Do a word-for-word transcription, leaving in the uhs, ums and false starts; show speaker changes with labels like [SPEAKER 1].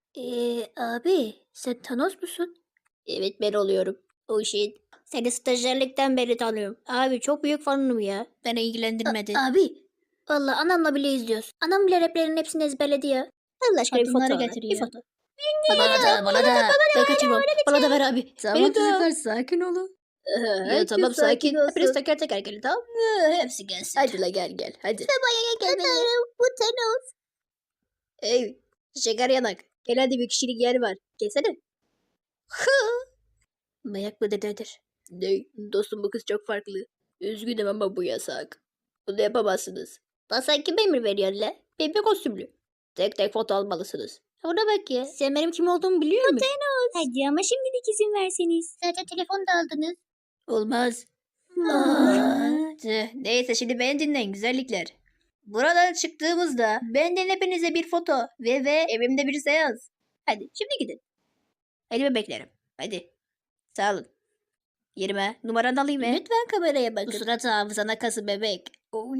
[SPEAKER 1] Eee, abi sen Thanos musun? Evet ben oluyorum. O shit. Seni stajyerlikten beri tanıyorum. Abi çok büyük fanım ya. Beni ilgilendirmedi. A- abi. Valla anamla bile izliyoruz. Anam bile replerin hepsini ezberledi ya. Allah aşkına bir foto
[SPEAKER 2] Kadınları
[SPEAKER 1] ver.
[SPEAKER 2] getir
[SPEAKER 1] Bir
[SPEAKER 2] ya.
[SPEAKER 1] foto. Bana da bana da. Ben kaçırmam. Bana da ver abi.
[SPEAKER 2] Tamam
[SPEAKER 1] Benim de o.
[SPEAKER 2] çocuklar sakin olun.
[SPEAKER 1] Ya
[SPEAKER 2] Herkes
[SPEAKER 1] tamam sakin.
[SPEAKER 2] sakin
[SPEAKER 1] Hepiniz
[SPEAKER 2] olsun.
[SPEAKER 1] teker teker gelin tamam. Ee, Hepsi gelsin.
[SPEAKER 2] Hadi la gel gel hadi.
[SPEAKER 1] Gel beni. Bu Thanos. Ey şeker yanak. Gel hadi bir kişilik yer var. Gelsene. Mayak mı dededir? Ne? Dostum bu kız çok farklı. Üzgünüm ama bu yasak. Bunu yapamazsınız. Lan sen kime emir veriyorsun la? Bebek kostümlü. Tek tek foto almalısınız. Ona bak ya. Sen benim kim olduğumu biliyor musun?
[SPEAKER 3] Hadi ama şimdilik izin verseniz.
[SPEAKER 1] Zaten telefon da aldınız. Olmaz.
[SPEAKER 3] Aa.
[SPEAKER 2] Tüh, neyse şimdi beni dinleyin güzellikler. Buradan çıktığımızda benden hepinize bir foto ve ve evimde bir seans. Hadi şimdi gidin. Elimi beklerim. Hadi. Sağ olun. Yerime numaranı alayım mı?
[SPEAKER 1] Lütfen kameraya bakın.
[SPEAKER 2] Bu surat hafızana kası bebek.